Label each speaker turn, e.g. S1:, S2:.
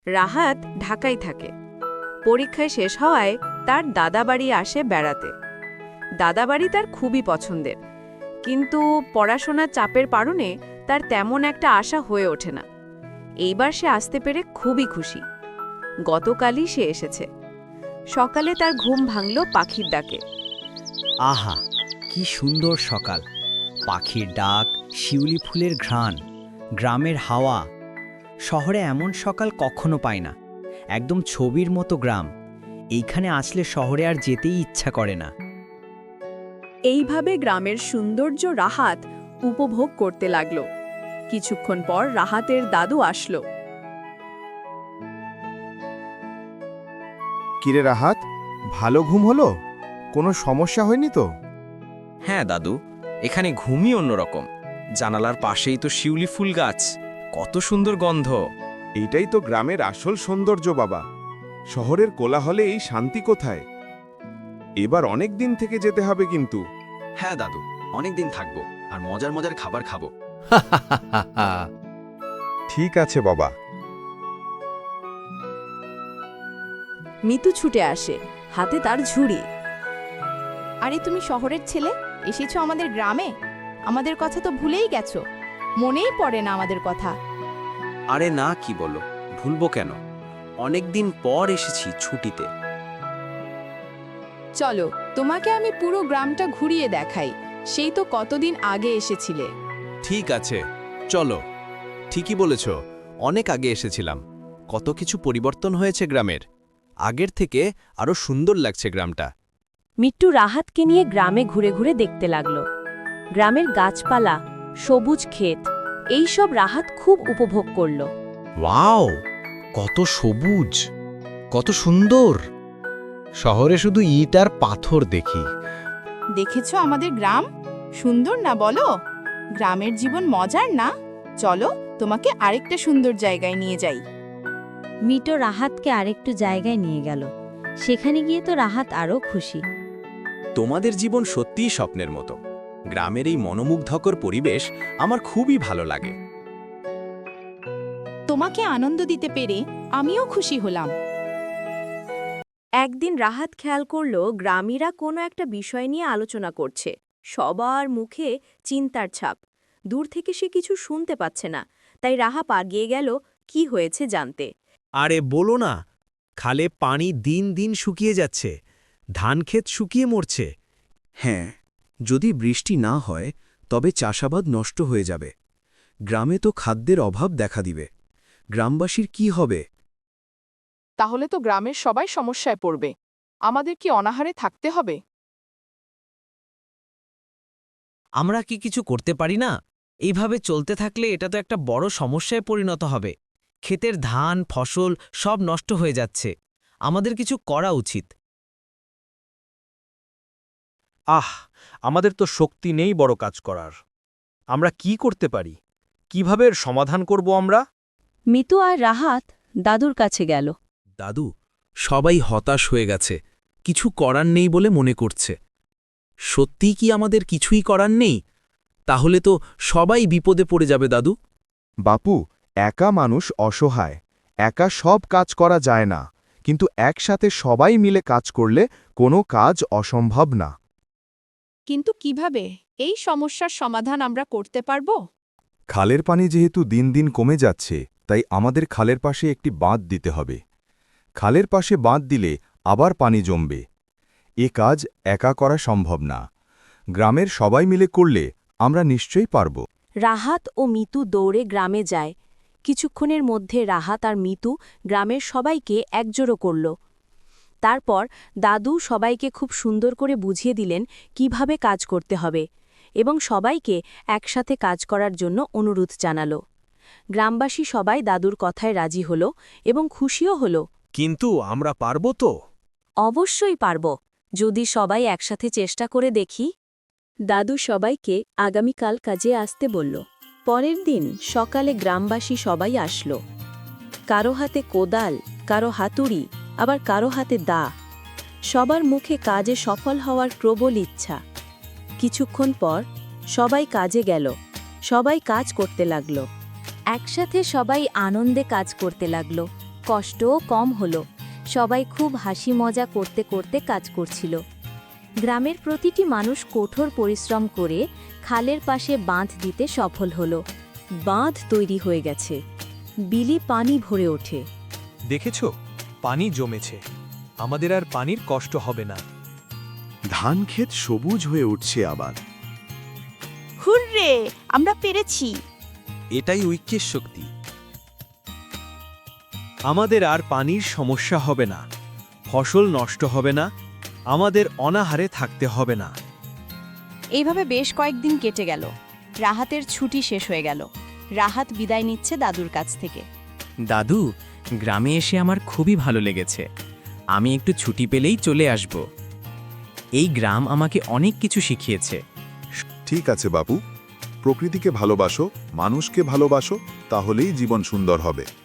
S1: রাহাত ঢাকায় থাকে। পরীক্ষায় শেষ হওয়ায় তার দাদাবাড়ি আসে বেড়াতে। দাদাবাড়ি তার খুবই পছন্দের, কিন্তু পড়াশোনার চাপের কারণে তার তেমন একটা আশা হয়ে ওঠে না। এইবার সে আসতে পেরে খুবই খুশি। গতকালই সে এসেছে। সকালে তার ঘুম ভাঙল পাখির ডাকে।
S2: আহা, কি সুন্দর সকাল! পাখির ডাক, শিউলি ফুলের ঘ্রাণ, গ্রামের হাওয়া। শহরে এমন সকাল কখনো পায় না। একদম ছবির মতো গ্রাম। এইখানে আসলে শহরে আর যেতেই ইচ্ছা করে না।
S1: এইভাবে গ্রামের সৌন্দর্য রাহাত উপভোগ করতে লাগল। কিছুক্ষণ পর রাহাতের দাদু আসলো।
S3: কিরে রাহাত, ভালো ঘুম হলো? কোনো সমস্যা হয়নি তো?
S4: হ্যাঁ দাদু, এখানে ঘুমই অন্যরকম। জানালার পাশেই তো শিউলি ফুল গাছ, কত সুন্দর গন্ধ।
S3: এইটাই তো গ্রামের আসল সৌন্দর্য বাবা। শহরের কোলাহলে এই শান্তি কোথায়? এবার অনেক দিন থেকে যেতে হবে কিন্তু।
S4: হ্যাঁ দাদু, অনেক দিন থাকবো আর মজার মজার খাবার খাবো।
S3: ঠিক আছে বাবা।
S1: মিতু ছুটে আসে, হাতে তার ঝুড়ি।
S5: আরে তুমি শহরের ছেলে, এসেছো আমাদের গ্রামে? আমাদের কথা তো ভুলেই গেছো। মনেই পড়ে না আমাদের কথা।
S4: আরে না, কি বলো, ভুলবো কেন? অনেক দিন পর এসেছি ছুটিতে।
S5: চলো, তোমাকে আমি পুরো গ্রামটা ঘুরিয়ে দেখাই। সেই তো কতদিন আগে এসেছিলে।
S6: ঠিক আছে, চলো। ঠিকই বলেছ, অনেক আগে এসেছিলাম। কত কিছু পরিবর্তন হয়েছে গ্রামের। আগের থেকে আরো সুন্দর লাগছে গ্রামটা।
S1: মিট্টু রাহাতকে নিয়ে গ্রামে ঘুরে ঘুরে দেখতে লাগল। গ্রামের গাছপালা, সবুজ ক্ষেত, এইসব রাহাত খুব উপভোগ করল।
S6: ওয়াও, কত সবুজ, কত সুন্দর! শহরে শুধু ইট আর পাথর দেখি।
S5: দেখেছো আমাদের গ্রাম? সুন্দর না বলো? গ্রামের জীবন মজার না? চলো, তোমাকে আরেকটা সুন্দর জায়গায় নিয়ে যাই।
S7: মিটো রাহাতকে আরেকটু জায়গায় নিয়ে গেল। সেখানে গিয়ে তো রাহাত আরও খুশি।
S4: তোমাদের জীবন সত্যিই স্বপ্নের মতো। গ্রামের এই মনোমুগ্ধকর পরিবেশ আমার খুবই ভালো লাগে।
S5: তোমাকে আনন্দ দিতে পেরে আমিও খুশি হলাম।
S1: একদিন রাহাত খেয়াল করল গ্রামীরা কোনো একটা বিষয় নিয়ে আলোচনা করছে। সবার মুখে চিন্তার ছাপ। দূর থেকে সে কিছু শুনতে পাচ্ছে না, তাই রাহা আগিয়ে গেল কি হয়েছে জানতে।
S6: আরে বলো না, খালে পানি দিন দিন শুকিয়ে যাচ্ছে। ধানক্ষেত শুকিয়ে মরছে।
S8: হ্যাঁ, যদি বৃষ্টি না হয় তবে চাষাবাদ নষ্ট হয়ে যাবে। গ্রামে তো খাদ্যের অভাব দেখা দিবে। গ্রামবাসীর কি হবে?
S9: তাহলে তো গ্রামের সবাই সমস্যায় পড়বে। আমাদের কি অনাহারে থাকতে হবে?
S2: আমরা কি কিছু করতে পারি না? এইভাবে চলতে থাকলে এটা তো একটা বড় সমস্যায় পরিণত হবে। ক্ষেতের ধান, ফসল সব নষ্ট হয়ে যাচ্ছে। আমাদের কিছু করা উচিত।
S6: আমাদের তো শক্তি নেই বড় কাজ করার। আমরা কি করতে পারি? কিভাবে এর সমাধান করব আমরা?
S1: মিতু আর রাহাত দাদুর কাছে গেল।
S8: দাদু, সবাই হতাশ হয়ে গেছে। কিছু করার নেই বলে মনে করছে। সত্যিই কি আমাদের কিছুই করার নেই? তাহলে তো সবাই বিপদে পড়ে যাবে দাদু।
S3: বাপু, একা মানুষ অসহায়। একা সব কাজ করা যায় না, কিন্তু একসাথে সবাই মিলে কাজ করলে কোনো কাজ অসম্ভব না।
S5: কিন্তু কিভাবে এই সমস্যার সমাধান আমরা করতে পারবো?
S3: খালের পানি যেহেতু দিন দিন কমে যাচ্ছে, তাই আমাদের খালের পাশে একটি বাঁধ দিতে হবে। খালের পাশে বাঁধ দিলে আবার পানি জমবে। এ কাজ একা করা সম্ভব না। গ্রামের সবাই মিলে করলে আমরা নিশ্চয়ই পারব।
S1: রাহাত ও মিতু দৌড়ে গ্রামে যায়। কিছুক্ষণের মধ্যে রাহাত আর মিতু গ্রামের সবাইকে একজোড়ো করল। তারপর দাদু সবাইকে খুব সুন্দর করে বুঝিয়ে দিলেন কিভাবে কাজ করতে হবে, এবং সবাইকে একসাথে কাজ করার জন্য অনুরোধ জানাল। গ্রামবাসী সবাই দাদুর কথায় রাজি হল এবং খুশিও হল।
S6: কিন্তু আমরা পারব তো?
S1: অবশ্যই পারব, যদি সবাই একসাথে চেষ্টা করে দেখি। দাদু সবাইকে আগামীকাল কাজে আসতে বলল। পরের দিন সকালে গ্রামবাসী সবাই আসলো। কারো হাতে কোদাল, কারো হাতুড়ি, আবার কারো হাতে দা। সবার মুখে কাজে সফল হওয়ার প্রবল ইচ্ছা। কিছুক্ষণ পর সবাই কাজে গেল। সবাই কাজ করতে লাগল। একসাথে সবাই আনন্দে কাজ করতে লাগল।
S7: কষ্টও কম হলো। সবাই খুব হাসি মজা করতে করতে কাজ করছিল। গ্রামের প্রতিটি মানুষ কঠোর পরিশ্রম করে খালের পাশে বাঁধ দিতে সফল হলো।
S1: বাঁধ তৈরি হয়ে গেছে, বিলে পানি ভরে ওঠে।
S10: দেখেছো, পানি জমেছে, আমাদের আর পানির কষ্ট হবে না।
S3: ধান ক্ষেত সবুজ হয়ে উঠছে আবার।
S5: হুররে, আমরা পেরেছি।
S6: এটাই ঐক্যের শক্তি।
S10: আমাদের আর পানির সমস্যা হবে না, ফসল নষ্ট হবে না, আমাদের অনাহারে থাকতে হবে না।
S5: এইভাবে বেশ কয়েকদিন কেটে গেল। রাহাতের ছুটি শেষ হয়ে গেল। রাহাত বিদায় নিচ্ছে দাদুর কাছ থেকে।
S4: দাদু, গ্রামে এসে আমার খুবই ভালো লেগেছে। আমি একটু ছুটি পেলেই চলে আসব। এই গ্রাম আমাকে অনেক কিছু শিখিয়েছে।
S3: ঠিক আছে বাবু, প্রকৃতিকে ভালোবাসো, মানুষকে ভালোবাসো, তাহলেই জীবন সুন্দর হবে।